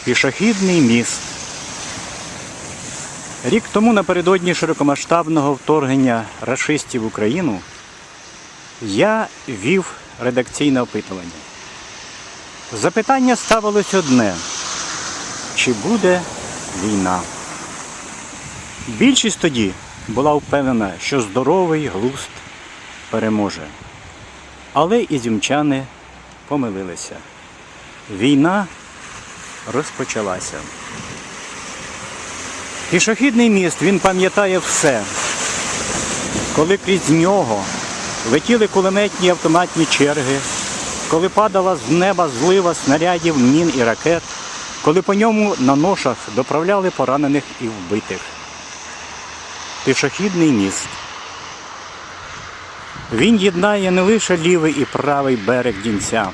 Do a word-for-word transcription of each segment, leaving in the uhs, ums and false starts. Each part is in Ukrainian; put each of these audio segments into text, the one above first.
Пішохідний міст. Рік тому напередодні широкомасштабного вторгнення рашистів в Україну я вів редакційне опитування. Запитання ставилось одне: чи буде війна? Більшість тоді була впевнена, що здоровий глузд переможе. Але ізюмчани помилилися. Війна розпочалася. Пішохідний міст, він пам'ятає все. Коли крізь нього летіли кулеметні автоматні черги, коли падала з неба злива снарядів, мін і ракет, коли по ньому на ношах доправляли поранених і вбитих. Пішохідний міст. Він єднає не лише лівий і правий берег Дінця,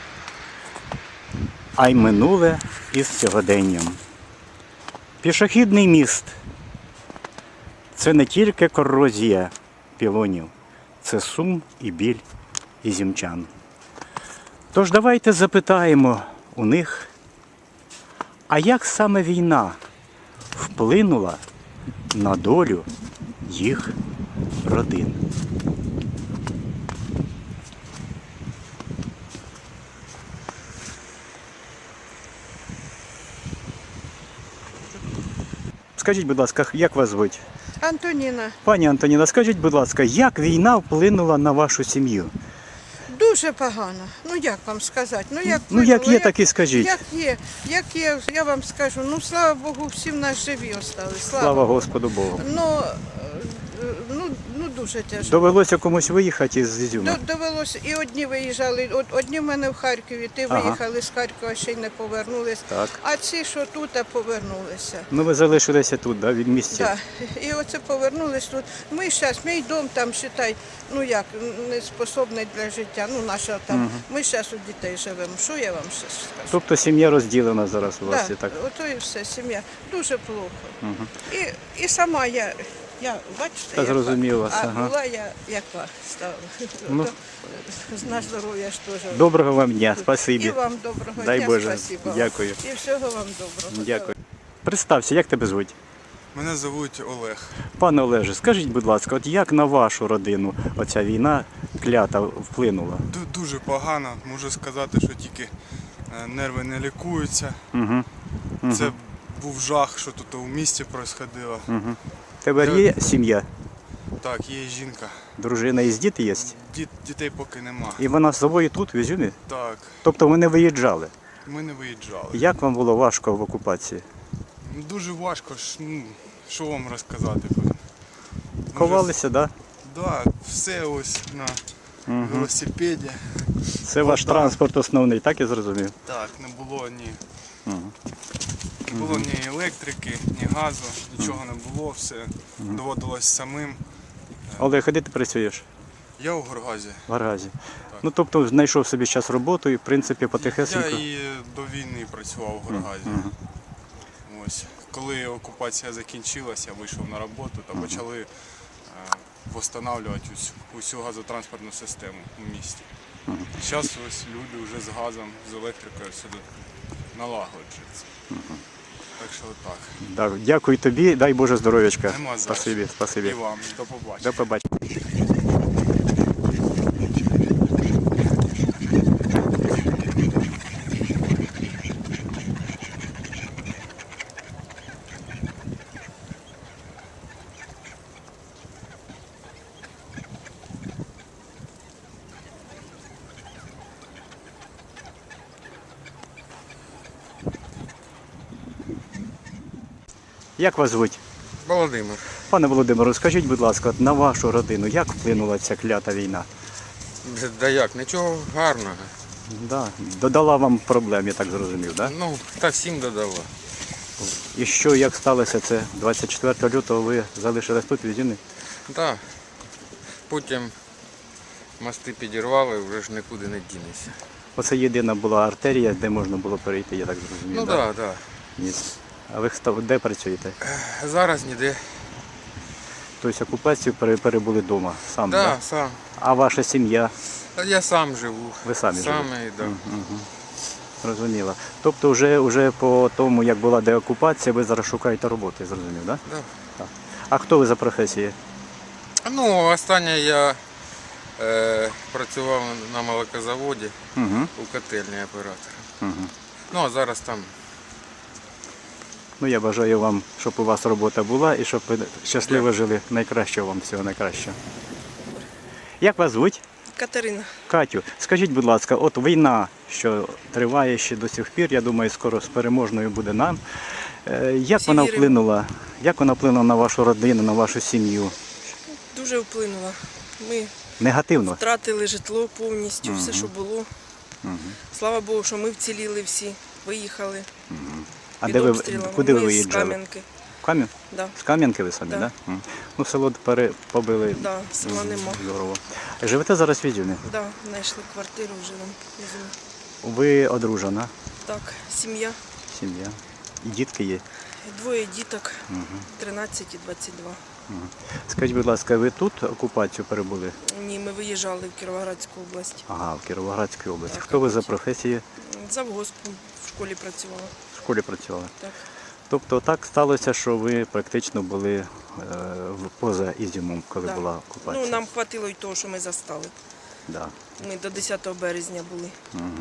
а й минуле із сьогоденням. Пішохідний міст – це не тільки корозія пілонів, це сум і біль ізюмчан. Тож давайте запитаємо у них, а як саме війна вплинула на долю їх родин? Скажіть, будь ласка, як вас звуть? Антоніна. Пані Антоніна, скажіть, будь ласка, як війна вплинула на вашу сім'ю? Дуже погано. Ну як вам сказати? Ну як, Ну як вплинуло? є, так і скажіть. Як є, як є, я вам скажу. Ну слава Богу, всі в нас живі остались. Слава, Слава Господу Богу. Ну, е, ну, ну дуже тяжко. Довелося комусь виїхати із Ізюма? До- Довелося, і одні виїжджали, од- одні в мене в Харкові, ти Ага. виїхали з Харкова, ще й не повернулись. Так. А ці, що тут, а повернулися. Ну ви залишилися тут, да, від місця? Так, і оце повернулись тут. Ми зараз, мій дом там, считай, ну як, не способний для життя, ну наша там. Мгм. Ми зараз у дітей живемо. Що я вам ще скажу? Тобто сім'я розділена зараз у вас, Так, і так? ото і все, сім'я. Дуже плохо. Мгм. І, і сама я, я бачите, Та яка, зрозумів вас, а ага. була я яка стала. Ну. Ото, на здоров'я ж теж. Доброго вам дня, І спасибі. вам доброго Дай дня, Боже. спасибо вам. Дякую. І всього вам доброго. Дякую. Представся, як тебе звуть? Мене звуть Олег. Пане Олеже, скажіть, будь ласка, от як на вашу родину оця війна клята вплинула? Ду- Дуже погано. Можу сказати, що тільки е, нерви не лікуються. Угу. Це був жах, що тут у місті происходило. Угу. Тебе є сім'я, Так, є жінка. дружина і діти є? Діт, дітей поки нема. І вона з собою тут, в Ізюмі? Так, Тобто ви не виїжджали? ми не виїжджали. Як вам було важко в окупації? Дуже важко, ж, ну, що вам розказати. Може, Ховалися, так? Да? Да, все ось на Мгм. велосипеді. Це ваш Вода. транспорт основний, так я зрозумів? Так, не було ні, Мгм. не було ні електрики, ні газу, нічого не було, все доводилось самим. Олег, а де ти працюєш? Я у Горгазі. В Гаразі. Ну, тобто знайшов собі час роботу і, в принципі, Я потихесенько. і до війни працював у Горгазі. Мгм. Ось. Коли окупація закінчилася, я вийшов на роботу та почали е, встановлювати усю, усю газотранспортну систему у місті. Зараз ось люди вже з газом, з електрикою все тут налагоджується. Так що так. Так, дякую тобі, дай Боже здоров'ячка. Нема за Спасибі, що. спасибі. І вам. До побачення. До побачення. Як вас звуть? Володимир. Пане Володимиру, скажіть, будь ласка, от на вашу родину як вплинула ця клята війна? Да як, нічого гарного. Да. Додала вам проблем, я так зрозумів, да? Ну, та всім додало. І що, як сталося це? двадцять четвертого лютого ви залишились тут в Ізюмі? Так. Потім мости підірвали, вже ж нікуди не дінешся. Оце єдина була артерія, де можна було перейти, я так зрозумів. Ну да? так, так. Ні. А ви хто- де працюєте? Да. Зараз ніде. Тобто окупацію пере- перебули вдома, сам, Так, да? да, сам. А ваша сім'я? Та я сам живу. Ви самі Саме, да. Мгм. Зрозуміло. Тобто вже, вже по тому, як була деокупація, ви зараз шукаєте роботи, зрозумів, так? Да. Так? А хто ви за професією? Ну, останнє я е, працював на молокозаводі Угу. у котельні оператора. Угу. Ну, а зараз там. Ну, я бажаю вам, щоб у вас робота була і щоб ви щасливо жили. Найкращого вам, всього найкращого. Як вас звуть? Катерина. Катю, скажіть, будь ласка, от війна, що триває ще до сих пір, я думаю, скоро з переможною буде нам. Е, Як Всі вона віримо. вплинула? Як вона вплинула на вашу родину, на вашу сім'ю? Дуже вплинула. Ми Негативно? втратили житло повністю, все, що було. Слава Богу, що ми вціліли всі, виїхали А під де ви, обстрілами. куди ви Ми з виїжджали? Кам'янки. В Кам'ян? Да. З Кам'янки ви самі, так? Да. Да? М. Ну, село пере... побили. Да, села нема. Здорово. Живете зараз в Ізюмі? Да, знайшли квартиру, живемо. Візьмемо. Ви одружена, Так, сім'я, сім'я. І дітки є. двоє діток, тринадцять і двадцять два. Скажіть, будь ласка, ви тут окупацію перебули? Ні, ми виїжджали в Кіровоградську область. Ага, в Кіровоградській області. Так, Хто ви за окупація. професією? Завгоспом в школі працювала. В школі працювали. Так. Тобто так сталося, що ви практично були е, в- поза Ізюмом, коли Да. була окупація. Ну, нам хватило й того, що ми застали. Да. Ми до десятого березня були.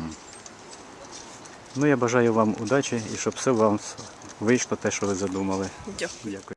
Ну, я бажаю вам удачі і щоб все вам вийшло те, що ви задумали. Дякую. Дякую.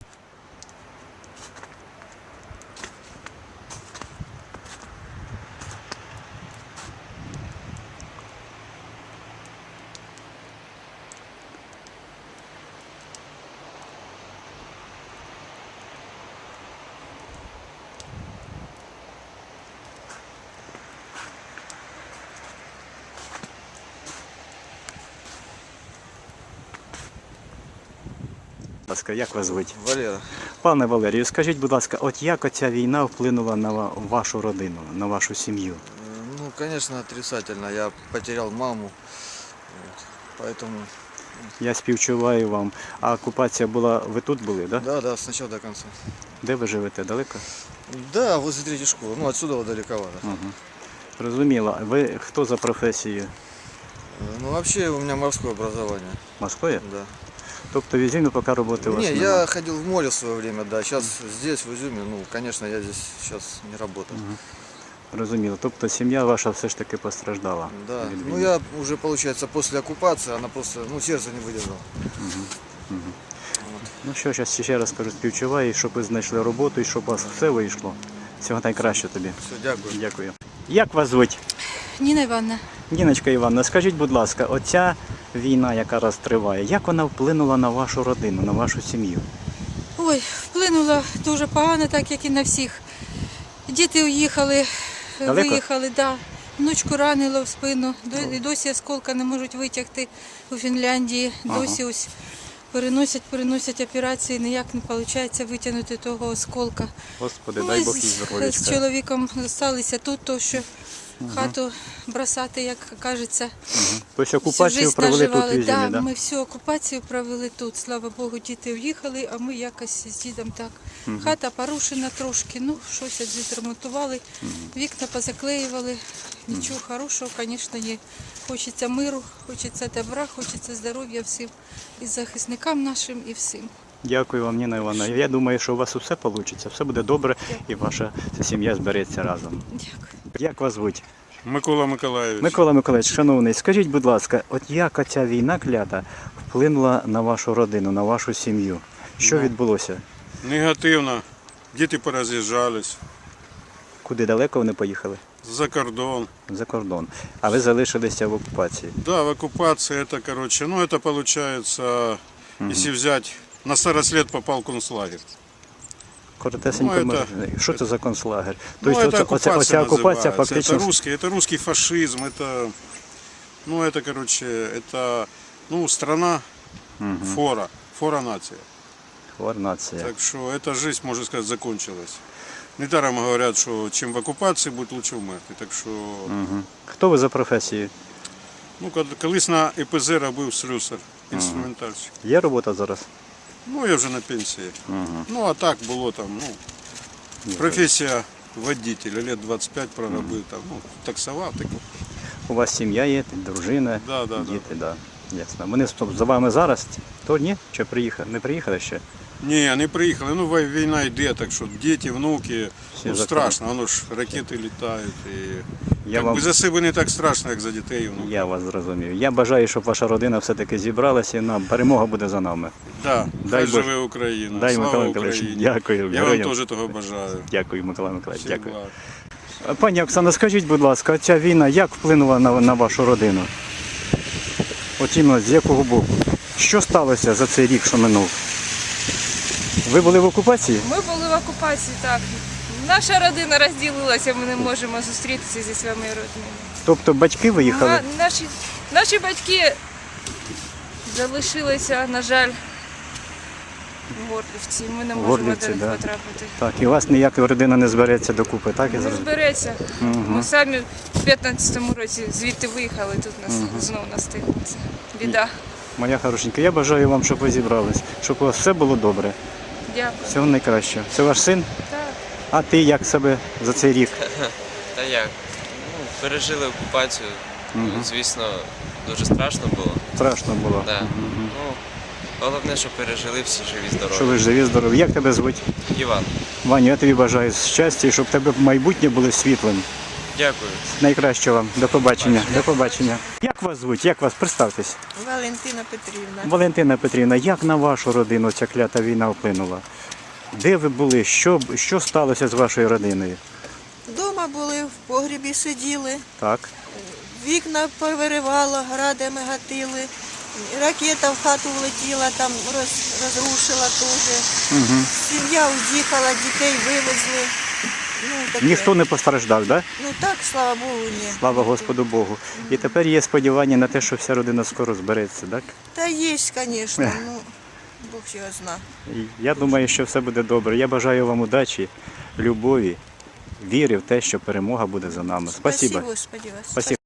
Будь ласка, як вас звуть? Валера. Пане Валерію, скажіть, будь ласка, от як оця війна вплинула на ва- вашу родину, на вашу сім'ю? Э, Ну, конечно, отрицательно. Я потерял маму. Вот. Поэтому, Я співчуваю вам. А окупація була, ви тут були, да? да, да, сначала до конца. Де ви живете? Далеко? Да, возле третьей школы. Ну, отсюда вот далековато. Зрозуміло. Ви хто за професією? Э, Ну, вообще у меня морское образование. Морської? Да. Тобто в Ізюмі поки роботи у вас Не, немає? я ходил в море в свое время, да. Сейчас здесь, в Изюме, ну, конечно, я здесь сейчас не работаю. Розуміло. Тобто сім'я ваша все ж таки постраждала Да. від Ну, війни. я уже, получается, после оккупации, она просто, ну, сердце не выдержало. Ну що, зараз ще раз кажу, співчуваю, щоб ви знайшли роботу і щоб у вас все вийшло. Всього найкраще тобі. Все, дякую. Дякую. Як вас звуть? Ніна Івановна, Ніночка Івановна, скажіть, будь ласка, оця війна, яка зараз триває, як вона вплинула на вашу родину, на вашу сім'ю? ой, вплинуло дуже погано, так як і на всіх. Діти уїхали, Далеко? виїхали, да. Внучку ранило в спину, до- і досі осколка не можуть витягти у Фінляндії. Досі ось переносять, переносять операції, ніяк не виходить витягнути того осколка. Господи, Ми дай Бог їй з, з здоров'ячка. чоловіком залишилися тут, то що хату бросати, як кажеться. Тобто Всю окупацію жизнь провели тут в наживали. Ізюмі, Да, да? ми всю окупацію провели тут. Слава Богу, діти уїхали, а ми якось з дідом так. Хата порушена трошки, ну щось відремонтували, вікна позаклеювали. Нічого хорошого, звісно, є. Хочеться миру, хочеться добра, хочеться здоров'я всім і захисникам нашим, і всім. Дякую вам, Ніна Івановна. Я думаю, що у вас усе вийде, все буде добре і ваша ця сім'я збереться разом. Дякую. Як вас звуть? Микола Миколаївич. Микола Миколаївич, шановний, скажіть, будь ласка, от як оця війна клята вплинула на вашу родину, на вашу сім'ю? Що відбулося? Негативно. Діти пороз'їжджались Куди далеко вони поїхали? за кордон. За кордон. А ви залишилися в окупації? Да, в оккупации это, короче, ну это получается, если взять, на старость лет попал в концлагерь. Коротесенько, Ну, може, это- що це за концлагер? Ну, Тобто это оце- оккупация оця, оця окупація называется. фактично... Это русский, это русский фашизм, это, ну это, короче, это, ну, страна фора, фора нация. Нація. Так что эта жизнь, можно сказать, закончилась. Недаром говорят, что чем в оккупации будет лучше вмерти. Так що, Хто ви за професією? ну, кол- колись на І Пе Зе робив слюсар, інструментальщик. Є робота зараз? Ну, я вже на пенсії. Ну, а так було там, ну, професія водителя, лет двадцять п'ять проробив там, ну, таксував, так. У вас сім'я є, дружина, Да, да, да. діти, да. Ясно. Вони стоп, за вами зараз? То ні? Чи приїхали? Не приїхали ще? Ні, не приїхали. Ну, вой- війна йде, так що діти, внуки, Всі ну, за страшно, воно ж ракети літають. І... Я Як вам- би за себе не так страшно, як за дітей і внуків. Я вас зрозумів. Я бажаю, щоб ваша родина все-таки зібралася і нам перемога буде за нами. Да, Дай хай Боже. живе Україна. Дай, Слава Микола Миколаївич, Україні. дякую. Я вам Героям. теж того бажаю. Дякую, Микола Миколаївич, Всіх дякую. благ. Пані Оксана, скажіть, будь ласка, ця війна як вплинула на, на вашу родину? От іменно з якого боку? Що сталося за цей рік, що минув? Ви були в окупації? Ми були в окупації, так. Наша родина розділилася, ми не можемо зустрітися зі своїми родинами. Тобто батьки виїхали? Ма- Наші, наші батьки залишилися, на жаль, в Горлівці. Ми не В можемо Горлівці, до них да. потрапити. Так, і у вас ніяка родина не збереться докупи, так? Я Не зрозумів? збереться. Ми самі в п'ятнадцятому році звідти виїхали, тут нас знову настигнеться. Біда. Моя хорошенька, я бажаю вам, щоб ви зібрались, щоб у вас все було добре. Дякую. Всього найкращого. Це ваш син? Так. А ти як себе за цей рік? Та як? Ну, пережили окупацію. Ну, звісно, дуже страшно було. Страшно було. Да. Ну, головне, що пережили всі живі, здорові. Що ви живі, здорові. Як тебе звуть? Іван, Ваню, я тобі бажаю щастя і щоб тебе майбутнє було світлим. дякую. Найкраще вам. До побачення. До побачення. Як вас звуть? Як вас? Представтесь. Валентина Петрівна. Валентина Петрівна, як на вашу родину ця клята війна вплинула? Де ви були? Що, що сталося з вашою родиною? Дома були, в погрібі сиділи, Так. вікна повиривало, градами гатили, ракета в хату влетіла, там роз, розрушила теж. Угу. Сім'я уїхала, дітей вивезли. Ну, таке. Ніхто не постраждав, так? Да? Ну так, слава Богу, ні. Слава Господу Богу. І тепер є сподівання на те, що вся родина скоро збереться, так? Та є, звісно, ну, Бог його зна. І я думаю, що все буде добре. Я бажаю вам удачі, любові, віри в те, що перемога буде за нами. Спасибо. Спасибо, Господи, вас. Спасибо.